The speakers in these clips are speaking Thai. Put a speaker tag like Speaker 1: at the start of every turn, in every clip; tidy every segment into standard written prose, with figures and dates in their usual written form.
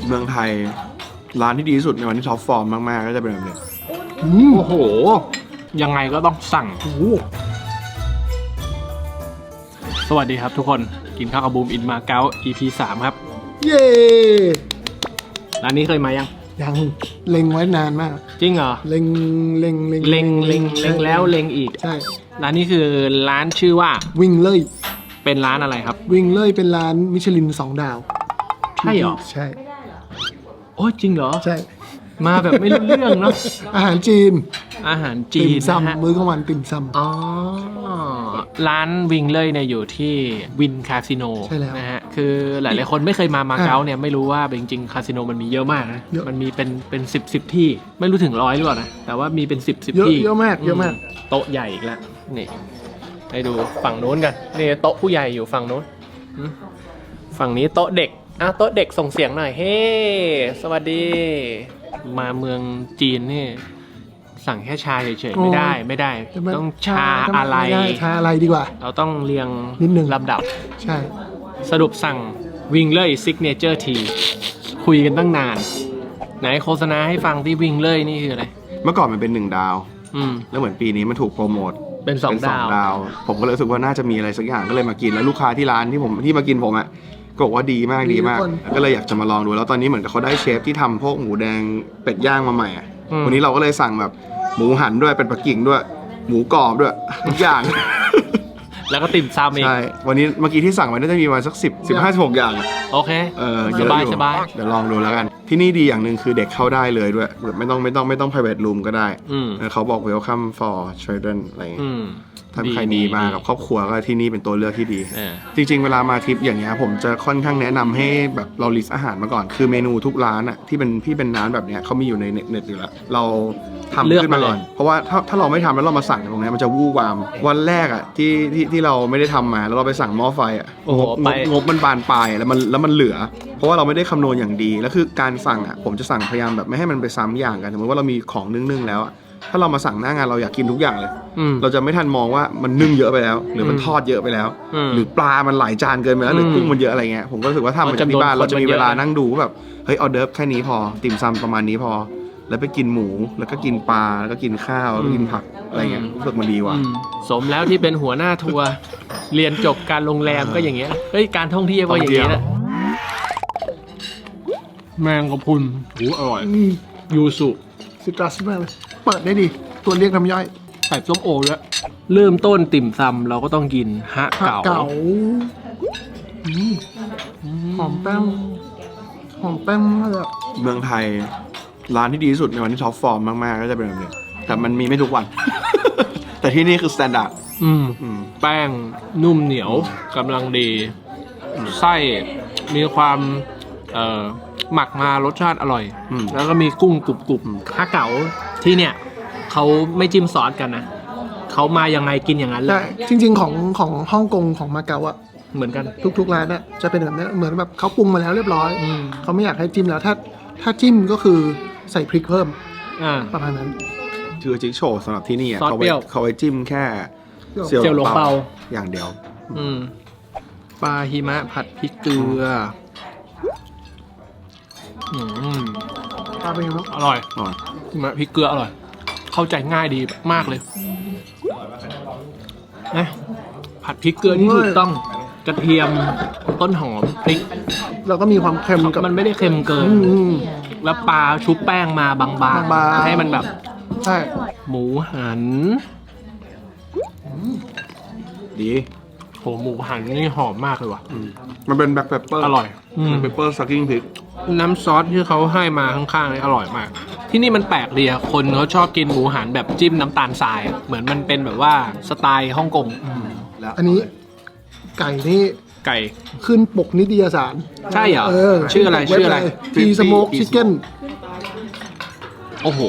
Speaker 1: เมืองไทยร้านที่ดีที่สุดในวันที่ท็อปฟอร์มมากๆก็จะเป็นแบบนี้
Speaker 2: โอ้โหยังไงก็ต้องสั่งสวัสดีครับทุกคนกินข้าวกับบูมอินมาเก๊า EP 3 ครับ
Speaker 3: เย้
Speaker 2: ร้านนี้เคยมายัง
Speaker 3: เล็งไว้นานมาก
Speaker 2: จริงเหรอ
Speaker 3: เล็ง
Speaker 2: แล้วเล็งอีก
Speaker 3: ใช่
Speaker 2: ร้านนี้คือร้านชื่อว่า
Speaker 3: วิ่งเล่ย
Speaker 2: เป็นร้านอะไรครับ
Speaker 3: วิ่งเล่ยเป็นร้านมิชลิน2 ดาว
Speaker 2: ใช่เหรอ
Speaker 3: ใช่
Speaker 2: โอ้จริงเหรอ
Speaker 3: ใช่
Speaker 2: มาแบบไม่รู้เรื่องเนาะ
Speaker 3: อาหารจีน
Speaker 2: ติ่ม
Speaker 3: ซำมื้อกลางวันติ่มซำ
Speaker 2: อ๋อร้านวิงเลยเนี่ยอยู่ที่วินคาสิโนนะฮะคือหลายๆคนไม่เคยมาเก๊าเนี่ยไม่รู้ว่าจริงๆคาสิโนมันมีเยอะมากนะมันมีเป็น10ที่ไม่รู้ถึง100หรือเปล่านะแต่ว่ามีเป็น10ที่
Speaker 3: เยอะมาก
Speaker 2: โต๊ะใหญ่อีกแล้วนี่ให้ดูฝั่งโน้นกันนี่โต๊ะผู้ใหญ่อยู่ฝั่งโน้นฝั่งนี้โต๊ะเด็กโต๊ะเด็กส่งเสียงหน่อยเฮ้สวัสดีมาเมืองจีนนี่สั่งแค่ชาเฉยๆไม่ได้ต้องชาอะไร
Speaker 3: ดีกว่า
Speaker 2: เราต้องเรียง
Speaker 3: นิดนึง
Speaker 2: ลำดับ
Speaker 3: ใช่
Speaker 2: สรุปสั่งวิงเลยซิกเนเจอร์ทีคุยกันตั้งนานไหนโฆษณาให้ฟังที่วิงเลยนี่คืออะไร
Speaker 1: เมื่อก่อนมันเป็น1 ดาวแล้วเหมือนปีนี้มันถูกโปรโมท
Speaker 2: เป็น2 ดาว
Speaker 1: ผมก็เลยรู้สึกว่าน่าจะมีอะไรสักอย่างก็เลยมากินแล้วลูกค้าที่ร้านที่มากินผมอ่ะก็บอกว่าดีมากก็เลยอยากจะมาลองดูแล้วตอนนี้เหมือนกับเขาได้เชฟที่ทำพวกหมูแดงเป็ดย่างมาใหม่อ่ะวันนี้เราก็เลยสั่งแบบหมูหันด้วยเป็ดปักกิ่งด้วยหมูกรอบด้วยทุกอย่าง
Speaker 2: แล้วก็ติ่มซำอีก
Speaker 1: ใช่วันนี้เมื่อกี้ที่สั่งไว้น่าจะมีมาสัก15-16อย่าง
Speaker 2: โอเค
Speaker 1: สบายเดี๋ยวลองดูแล้วกันที่นี่ดีอย่างหนึ่งคือเด็กเข้าได้เลยด้วยไม่ต้อง private room ก็ได้เขาบอก welcome for children อะไรอย่างเงี้ยถ้าใครมีมากับครอบครัวก็ที่นี่เป็นตัวเลือกที่ดีจริงๆเวลามาทริปอย่างเงี้ยผมจะค่อนข้างแนะนำให้แบบเราลิสต์อาหารมาก่อนคือเมนูทุกร้านอ่ะที่เป็นร้านแบบเนี้ยเขามีอยู่ในเน็ตอยู่แล้วเราทำขึ้นมาก่อนเพราะว่าถ้าเราไม่ทำแล้วเรามาสั่งตรงนี้มันจะวู่วามวันแรกอ่ะที่เราไม่ได้ทำมาแล้วเราไปสั่งหม้อไฟอ่ะงบมันบานปลายแล้วมันเหลือเพราะว่าเราไม่ได้คำนวณอย่างดีแล้วคือการสั่งอ่ะผมจะสั่งพยายามแบบไม่ให้มันไปซ้ำอย่างกันสมมติว่าเรามีของนึ่งแล้วถ้าเรามาสั่งหน้างานเราอยากกินทุกอย่างเลยเราจะไม่ทันมองว่ามันนึ่งเยอะไปแล้วหรือมันทอดเยอะไปแล้วหรือปลามันหลายจานเกินไปแล้วหรือกุ้งมันเยอะอะไรเงี้ยผมก็รู้สึกว่าทำมาจากที่บ้านเราจะมีเวลานั่งดูแบบเฮ้ยออเดิร์ฟแค่นี้พอติ่มซำประมาณนี้พอแล้วไปกินหมูแล้วก็กินปลาแล้วก็กินข้าวแล้วก็กินผักอะไรเงี้ยรู้สึกมันดีว่ะ
Speaker 2: สมแล้วที่เป็นหัวหน้าทัวร์เรียนจบการโรงแรมก็อย่างเงี้ยเฮ้ยการท่องเที่ยวก็อย่างเงี้ยแหละแมงกะพรุนอร่อยยูสุ
Speaker 3: ซิตรัสมากเลยเปิดได้ดีตัวเรียกน้ำย่อย
Speaker 2: ใส่ส้มโอด้วยเริ่มต้นติ่มซำเราก็ต้องกินฮะเก๋า
Speaker 3: หอมแป้งมาก
Speaker 1: เมืองไทยร้านที่ดีที่สุดในวันที่ท็อปฟอร์มมากๆก็จะเป็นแบบนี้แต่มันมีไม่ทุกวัน แต่ที่นี่คือสแตนดาร์ด
Speaker 2: แป้งนุ่มเหนียวกำลังดีไส้มีความหมักมารสชาติอร่อยแล้วก็มีกุ้งกรุบๆฮะเก๋าที่เนี่ยเขาไม่จิ้มซอสกันนะเขามายังไงกินอย่างนั้นเลย
Speaker 3: จริงๆของฮ่องกงของมาเก๊าอะ
Speaker 2: เหมือนกัน
Speaker 3: ทุกร้านอะจะเป็นแบบนี้เหมือนแบบเขาปรุงมาแล้วเรียบร้อยเขาไม่อยากให้จิ้มแล้วถ้าจิ้มก็คือใส่พริกเพิ่มประมาณนั้น
Speaker 1: คือจิ๊กโชว์สำหรับที่นี่เขาไว้จิ้มแค่
Speaker 2: เสี่ยวหลงเปา
Speaker 1: อย่างเดียว
Speaker 2: ปลาหิมะผัดพริกเกลือ
Speaker 3: ปลาเป็นยังไง
Speaker 2: อร่อยหิมะพริกเกลืออร่อยเข้าใจง่ายดีมากเลยนะผัดพริกเกลือที่ถูกต้องกระเทียมต้นหอมพริก
Speaker 3: แล้วก็มีความเค็มกับ
Speaker 2: มันไม่ได้เค็มเกินแล้วปลาชุบแป้งมาบางๆให้มันแบบ
Speaker 3: ใช่
Speaker 2: หมูหัน
Speaker 1: ดี
Speaker 2: โหหมูหันนี่หอมมากเลยว่ะ
Speaker 1: มันเป็นแบล็คเปปเปอร์
Speaker 2: อร่อย
Speaker 1: เปปเปอร์ซักกิ้งพริก
Speaker 2: น้ำซอสที่เขาให้มาข้างๆนี่อร่อยมากที่นี่มันแปลกดีอะคนเขาชอบกินหมูหันแบบจิ้มน้ำตาลทรายเหมือนมันเป็นแบบว่าสไตล์ฮ่องกง
Speaker 3: อันนี้ไก่นี่
Speaker 2: ไก่
Speaker 3: ขึ้นปกนิตยสาร
Speaker 2: ใช่เหรอชื่ออะไร
Speaker 3: ทีสโมกชิคเก้น
Speaker 2: โอ้โห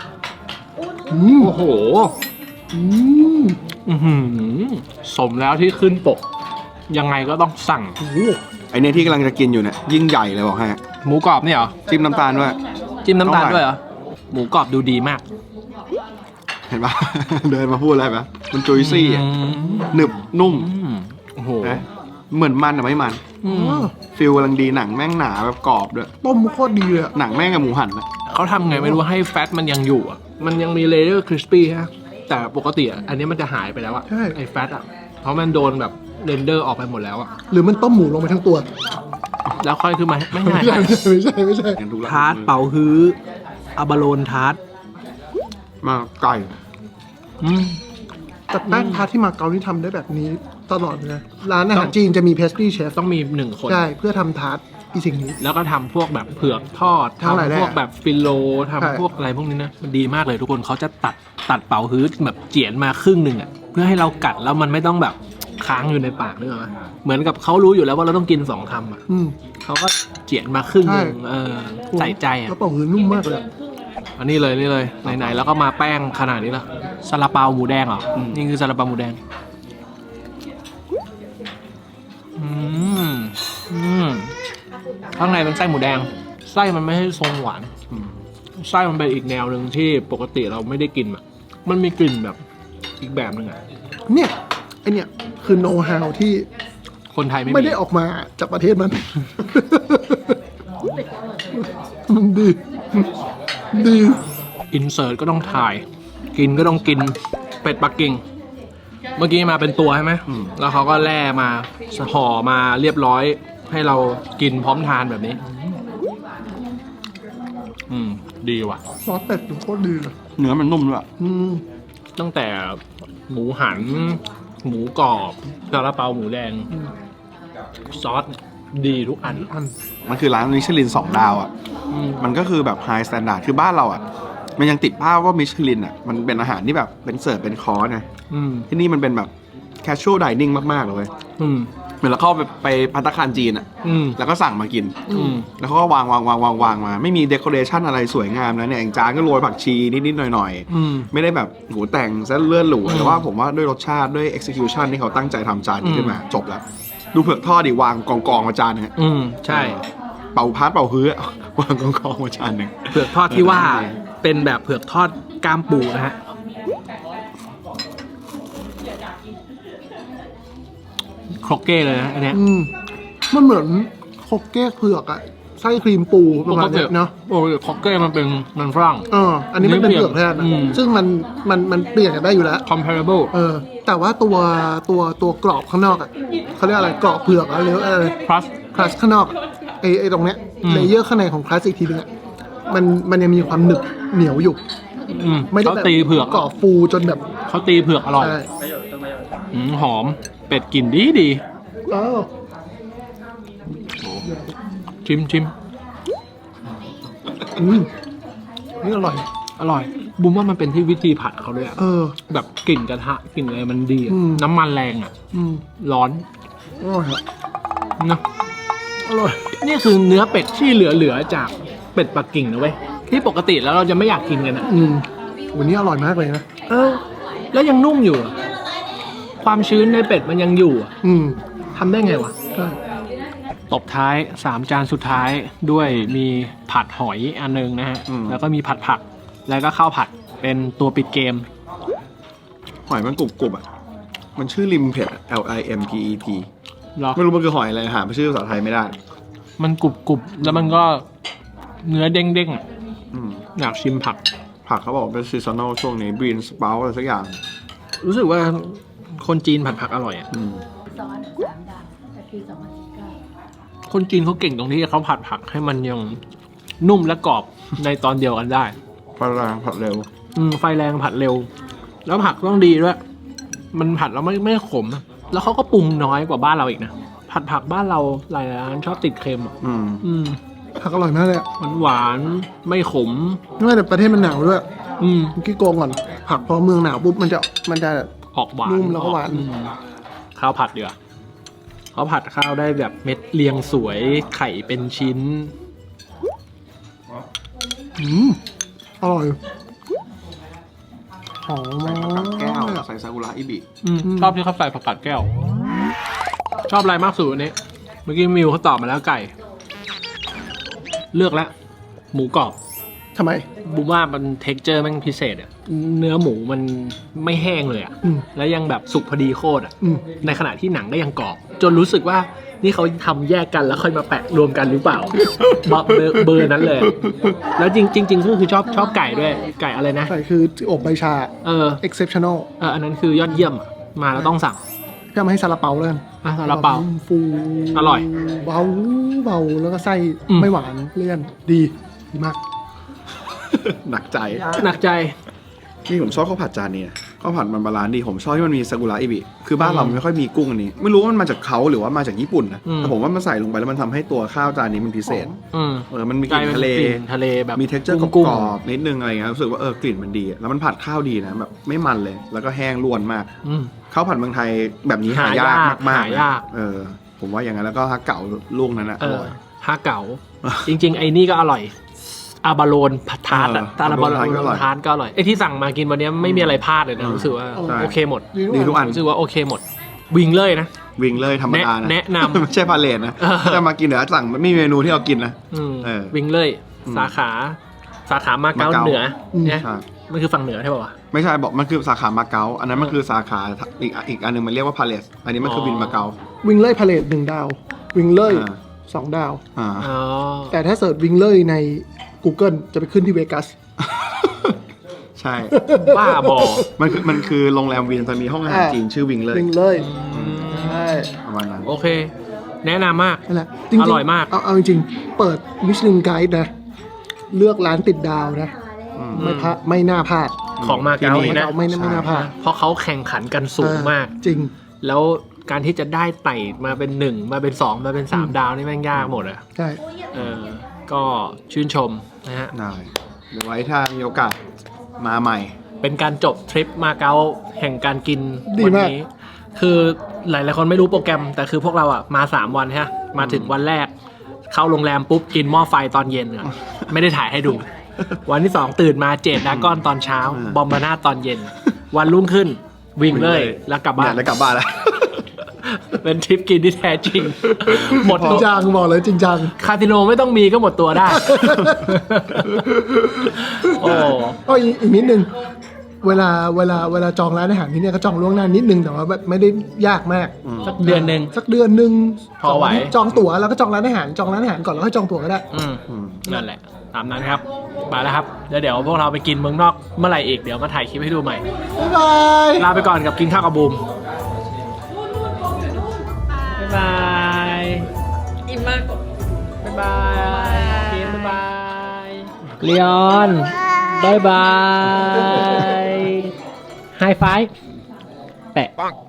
Speaker 2: สมแล้วที่ขึ้นปกยังไงก็ต้องสั่ง
Speaker 1: ไอเนี่ยที่กำลังจะกินอยู่เนี่ยยิ่งใหญ่เลยบอกให้
Speaker 2: หมูกรอบเนี่ยเหรอ
Speaker 1: จิ้มน้ำตาลด้วย
Speaker 2: เหรอหมูกรอบดูดีมาก
Speaker 1: เห็นปะ เดินมาพูดอะไรปะมันจุยซี่หนึบนุ่ม
Speaker 2: โอ้โห
Speaker 1: เหมือนมันแต่ไม่มันฟิลกำลังดีหนังแม่งหนาแบบกรอบด้วย
Speaker 3: ต้มโคตรดีเลยอะ
Speaker 1: หนังแม่งกับหมูหันนะ
Speaker 2: เขาทำไงไม่รู้ให้แฟตมันยังอยู่อ่ะมันยังมีเลเยอร์คริสปี้ฮะแต่ปกติอ่ะอันนี้มันจะหายไปแล้วอ่ะไอ้แฟตอ่ะเพราะมันโดนแบบเรนเดอร์ออกไปหมดแล้วอ่ะ
Speaker 3: หรือมันต้มหมูลงไปทั้งตัว
Speaker 2: แล้วค่อยขึ้นมาไม่ใช่
Speaker 3: ไม่ใช่
Speaker 1: อย่างทุกร้น
Speaker 2: ทาร์ตเป่าฮื้ออาบาโลนทาร์ต
Speaker 1: มาไก่
Speaker 3: แต่แป้งทาร์ตที่มาเก๊านี่ทำได้แบบนี้ตลอดเลยนะร้านอาหารจีนจะมีเพสตรีเชฟ
Speaker 2: ต้องมี1 คน
Speaker 3: ใช่เพื่อทำทาร์ตอีสิ่งนี้
Speaker 2: แล้วก็ทำพวกแบบเผือกทอด
Speaker 3: ทั้งหลายแหล่
Speaker 2: ทำพวกแบบฟิโล
Speaker 3: ใช่
Speaker 2: ทำพวกอะไรพวกนี้นะมันดีมากเลยทุกคนเขาจะตัดเป่าฮื้อแบบเจียนมาครึ่งหนึ่งอ่ะเพื่อให้เรากัดแล้วมันไม่ต้องแบบค้างอยู่ในปากนึกออกไหมเหมือนกับเขารู้อยู่แล้วว่าเราต้องกิน2 คำอ่ะ
Speaker 3: อืม
Speaker 2: เขาก็เจียนมาครึ่งหนึ่ง
Speaker 3: ใช่
Speaker 2: ใส่ใจอ่ะ
Speaker 3: แล้วเป่าหือนุ่มมากเลย
Speaker 2: อันนี้เลยนี่เลยไหนๆแล้วก็มาแป้งขนาดนี้แล้วซาลาเปาหมูแดงเหรอนี่คือซาลาเปาหมูแดงข้างในเป็นไส้หมูแดงไส้มันไม่ใช่ทรงหวานไส้มันเป็นอีกแนวหนึ่งที่ปกติเราไม่ได้กินอ่ะมันมีกลิ่นแบบอีกแบบหนึ่งอ่ะ
Speaker 3: เนี่ยไอเนี่ยคือโน้ตฮาวที่
Speaker 2: คนไทยไม่
Speaker 3: ไม่
Speaker 2: มี
Speaker 3: ได้ออกมาจากประเทศมัน มันดี ดี
Speaker 2: อินเสิร์ตก็ต้องถ่าย กินก็ต้องกินเป็ดปักกิ่งเมื่อกี้มาเป็นตัวใช่ไหมแล้วเขาก็แล่มาห่อมาเรียบร้อยให้เรากินพร้อมทานแบบนี้ ดีว่ะ
Speaker 3: ซอสเป็ดโคตรดีเลย
Speaker 1: เนื้อมันนุ่มด้วย
Speaker 2: ตั้งแต่หมูหัน หมูกรอบซาลาเปาหมูแดง ซอสดีทุกอัน
Speaker 1: มันคือร้านมิชลิน2 ดาวอ่ะมันก็คือแบบไฮสแตนดาร์ดคือบ้านเราอ่ะมันยังติดภาพว่ามิชลินอ่ะมันเป็นอาหารที่แบบเป็นเสิร์ฟเป็นคอร์สไงที่นี่มันเป็นแบบแคชชวลไดนิ่งมากๆเลยเหมือนเราเข้าไปภัตตาคารจีนอ่ะแล้วก็สั่งมากินแล้วเขาก็วางมาไม่มีเดคอเรชันอะไรสวยงามนะเนี่ยอย่างจานก็โรยผักชีนิดๆหน่อยๆไม่ได้แบบหูแต่งซะเลื่อนหรูแต่ว่าผมว่าด้วยรสชาติด้วย execution ที่เขาตั้งใจทำจานนี้ขึ้นมาจบแล้วดูเผือกทอดดิวางกองมาจานนึง
Speaker 2: ใช่
Speaker 1: เป่าพัดเป่าฮื้อวางกองมาจานหนึ่ง
Speaker 2: เผือกทอดที่ว่าเป็นแบบเผือกทอดกล้ามปูนะฮะครกเก้เลยนะอันเนี้ย
Speaker 3: มันเหมือนโคกเก้เผือกอะไส้ครีมปูประมาณเนี้ยเนาะ
Speaker 2: โอ้ยครกเก้มันเป็นมันฝรั่ง
Speaker 3: อันนี้มันเป็นเผือกแทนนะซึ่งมันเปลี่ยนกันได้อยู่แล้ว
Speaker 2: comparable
Speaker 3: แต่ว่าตัวกรอบข้างนอกอะเขาเรียกอะไรกรอบเผือกอะไรอะไร
Speaker 2: plus
Speaker 3: คลัสข้างนอกไอตรงเนี้ยเลเยอร์ข้างในของคลัสอีกทีนึงอะมันยังมีความหนึบเหนียวอยู่ไม่ได้
Speaker 2: เขา
Speaker 3: แบบ
Speaker 2: ตีเผือก
Speaker 3: กรอบฟูจนแบบ
Speaker 2: เขาตีเผือกอร่อย
Speaker 3: ใช่
Speaker 2: หอมเป็ดกลิ่นดี
Speaker 3: อ้าว
Speaker 2: ชิม
Speaker 3: นี่อร่อย
Speaker 2: อร่อยบุ้มว่ามันเป็นที่วิธีผัดเขาด้วยอะแบบกลิ่นกระทะกลิ่นอะไรมันดีอะน้ำมันแรงอ่ะร้อน
Speaker 3: อร่อยอะ
Speaker 2: นะ
Speaker 3: อร่อย
Speaker 2: นี่คือเนื้อเป็ดที่เหลือจากเป็ดปักกิ่งนะเว้ยที่ปกติแล้วเราจะไม่อยากกินกันอ่ะ
Speaker 3: วันนี้อร่อยมากเลยนะ
Speaker 2: แล้วยังนุ่มอยู่อะความชื้นในเป็ดมันยังอยู่อะทำได้ไงวะ
Speaker 3: ใช่
Speaker 2: ตบท้าย3 จานสุดท้ายด้วยมีผัดหอยอันนึงนะฮะแล้วก็มีผัดผักแล้วก็ข้าวผัดเป็นตัวปิดเกม
Speaker 1: หอยมันกรุบๆอ่ะมันชื่อริมเผ็ด LIMPET
Speaker 2: หรอ
Speaker 1: ไม่รู้มันคือหอยอะไรหาชื่อภาษาไทยไม่ได้
Speaker 2: มันกรุบแล้วมันก็เนื้อเด้งๆอะอยากชิมผัก
Speaker 1: ผักเขาบอกเป็นซีซันอลช่วงนี้บรีนสเปาอะไรสักอย่าง
Speaker 2: รู้สึกว่าคนจีนผัดผักอร่อยอ่ะ
Speaker 4: ซอส3 ดาวแต่ปี2019
Speaker 2: คนจีนเขาเก่งตรงที่เขาผัดผักให้มันยังนุ่มและกรอบในตอนเดียวกันได้
Speaker 1: ปลาแรงผัดเร็ว
Speaker 2: ไฟแรงผัดเร็ว แล้วผักต้องดีด้วย มันผัดแล้วไม่ขม แล้วเขาก็ปรุงน้อยกว่าบ้านเราอีกนะ ผัดผักบ้านเราหลายร้านชอบติดเค็มอ่ะ
Speaker 3: ผักอร่อยมากเลยอะ
Speaker 2: หวานๆไม่ขม
Speaker 3: ไม่แต่ประเทศมันหนาวด้วย
Speaker 2: เ
Speaker 3: มื่อกี้โกงก่อน ผักพอเมืองหนาวปุ๊บมันจะ
Speaker 2: ออกหวาน
Speaker 3: นุ่มแล้วก็หวาน
Speaker 2: ข้าวผัดดีกว่าเขาผัดข้าวได้แบบเม็ดเรียงสวยไข่เป็นชิ้น
Speaker 3: อร่อยหอมมาก
Speaker 1: แก้วใส่ซากุระอิบิ
Speaker 2: ชอบที่เขาใส่ผักกาดแก้ว ชอบอะไรมากสุดวันนี้ เมื่อกี้มิวเขาตอบมาแล้วไก่ เลือกแล้วหมูกรอบ
Speaker 3: ทำไม
Speaker 2: บูมว่ามันเท็กเจอร์มันพิเศษอะเนื้อหมูมันไม่แห้งเลยอะแล้วยังแบบสุกพอดีโคตรอะในขณะที่หนังก็ยังกรอบ จนรู้สึกว่านี่เขาทำแยกกันแล้วค่อยมาแปะรวมกันหรือเปล่าเบอร์นั้นเลย แล้วจริงก็คือชอบไก่ด้วยไก่อะไรนะ
Speaker 3: ใช่คืออบใบชา exceptional
Speaker 2: อันนั้นคือยอดเยี่ยมอะมาแล้วต้องสั่ง
Speaker 3: พี่เอามาให้ซาลาเปาเลย
Speaker 2: ซาลาเปา
Speaker 3: ฟู
Speaker 2: อร่อย
Speaker 3: เบาแล้วก็ไส้
Speaker 2: อืม
Speaker 3: ไม่หวานเลี่ยนดีมาก
Speaker 1: หนักใจ
Speaker 2: หนักใจ
Speaker 1: นี่ผมชอบข้าวผัดจานนี้นะข้าวผัดมันบาลานซ์ดีผมชอบที่มันมีซากุระอิบิคือบ้านเราไม่ค่อยมีกุ้งอันนี้ ไม่รู้ว่ามันมาจากเขาหรือว่ามาจากญี่ปุ่นนะ
Speaker 2: อืม
Speaker 1: แต่ผมว่ามันใส่ลงไปแล้วมันทำให้ตัวข้าวจานนี้มันพิเศษ มันมีกลิ่นทะเล
Speaker 2: ทะเลแบบ
Speaker 1: มี texture กร
Speaker 2: กุ้ง
Speaker 1: อบๆนิดนึงอะไรเงี้ยรู้สึกว่ากลิ่นมันดีแล้วมันผัดข้าวดีนะแบบไม่มันเลย แล้วก็แห้งล้วนมาก ข้าวผัดเมืองไทยแบบนี้หายากมากๆ
Speaker 2: หายาก
Speaker 1: ผมว่าอย่างนั้นแล้วก็ฮักเก่าลูกนั้นนะอร่อย
Speaker 2: ฮาเก๋าจริงๆไอ้นี่ก็อร่อยอาบาโลนทาร์ตอะอาบาโลนทาร์ตก็อร่อยไอ้ที่สั่งมากินวันนี้ไม่มีอะไรพลาดเลยนะรู้สึกว่า
Speaker 1: ใช่
Speaker 2: โอเคหมด
Speaker 1: ดีทุกอัน
Speaker 2: รู้สึกว่าโอเคหมดวิงเลยนะ
Speaker 1: วิ่งเลยธรรมดานะ
Speaker 2: แนะนำ
Speaker 1: ไม่ใช่พาเลทนะ ถ้าจะมากินเดี๋ยวสั่งไม่มีเมนูที่เรากินนะ
Speaker 2: วิงเลย
Speaker 1: อืม
Speaker 2: สาขามาเก๊า
Speaker 1: มาเก๊า
Speaker 2: เหนือเนี่ย
Speaker 1: ใช่
Speaker 2: มันคือฝั่งเหนือใช่ป่าวะ
Speaker 1: ไม่ใช่บอกมันคือสาขามาเก๊าอันนั้นมันคือสาขาอีกอันหนึงมันเรียกว่าพาเลสอันนี้มันคือวินมาเก๊า
Speaker 3: วิงเล่พาเลต1 ดาว วิงเล่
Speaker 1: อ่า
Speaker 3: 2 ดาว
Speaker 1: อ่า
Speaker 2: อ๋อ
Speaker 3: แต่ถ้าเสิร์ชวิงเล่ใน Google จะไปขึ้นที่เวกัส
Speaker 1: ใช่
Speaker 2: บ้าบอ
Speaker 1: มันคือโรงแรมวินตอนมีห้องอาหารจีนชื่อวิงเลย
Speaker 3: วิงเล่ใช่
Speaker 1: ประมาณนั้น
Speaker 2: โอเค แนะนำมาก
Speaker 3: นั่นแหละจริงๆ
Speaker 2: อร่อยมาก
Speaker 3: เอาจริงๆ เปิดมิชลินไกด์นะ เลือกร้านติดดาวนะ ไม่น่าพลาด
Speaker 2: ของมาเก๊า
Speaker 1: ที่นี่
Speaker 2: นี่นะ
Speaker 3: ไม่น่าพลาด
Speaker 2: เพราะเขาแข่งขันกันสูงมาก
Speaker 3: จริง
Speaker 2: แล้วการที่จะได้ไต่มาเป็น1มาเป็น2มาเป็น3ดาวนี่แม่งยากหมดอะ
Speaker 3: ใช่
Speaker 2: ก็ชื่นชมนะฮะ
Speaker 1: ได้เดี๋ยวไว้ถ้ามีโอกาสมาใหม่
Speaker 2: เป็นการจบทริปมาเก๊าแห่งการกิน
Speaker 3: ดี
Speaker 2: วั
Speaker 3: มาก
Speaker 2: นี้ คือหลายๆคนไม่รู้โปรแกรม แต่คือพวกเราอะมา3วันฮะมาถึงวันแรก เข้าโรงแรมปุ๊บกินหม้อไฟตอนเย็นอะไม่ได้ถ่ายให้ดู วันที่ 2 ตื่นมาเจดดากอนตอนเช้า บอมบาน่าตอนเย็น วันรุ่งขึ้นวิ่งเลยแล้วกลับบ้าน
Speaker 1: แล้วกลับบ้านแล้ว
Speaker 2: เป็นทริปกินที่แท้จริง หมด
Speaker 3: จริ
Speaker 2: ตั
Speaker 3: ง
Speaker 2: ว
Speaker 3: จังบอกเลยจริงจัง
Speaker 2: คาสิโนไม่ต้องมีก็หมดตัวได้ โอ้
Speaker 3: ก็อีกนิดนึง เวลาจองร้านอาหารที่เนี่ยก็จองล่วงหน้านิดนึงแต่ว่าแบบไม่ได้ยากมาก
Speaker 2: สักเดือนหนึ่ง
Speaker 3: สักเดือนหนึ่ง
Speaker 2: พอไหว
Speaker 3: จองตั๋วแล้วก็จองร้านอาหารก่อนแล้วก็จองตั๋วก็ได้
Speaker 2: นั่นแหละ ตามนั้นครับมาแล้วครับแล้วเดี๋ยวพวกเราไปกินเมืองนอกเมื่อไหร่อีกเดี๋ยวมาถ่ายคลิปให้ดูใหม่
Speaker 3: บ๊ายบาย
Speaker 2: ลาไปก่อนกับกินข้าวกับบูมบ๊ายบาย
Speaker 4: อิ่มมาก
Speaker 2: บ๊ายบายกินบ๊ายบายเลียนบ๊ายบายไฮไฟว์แปะ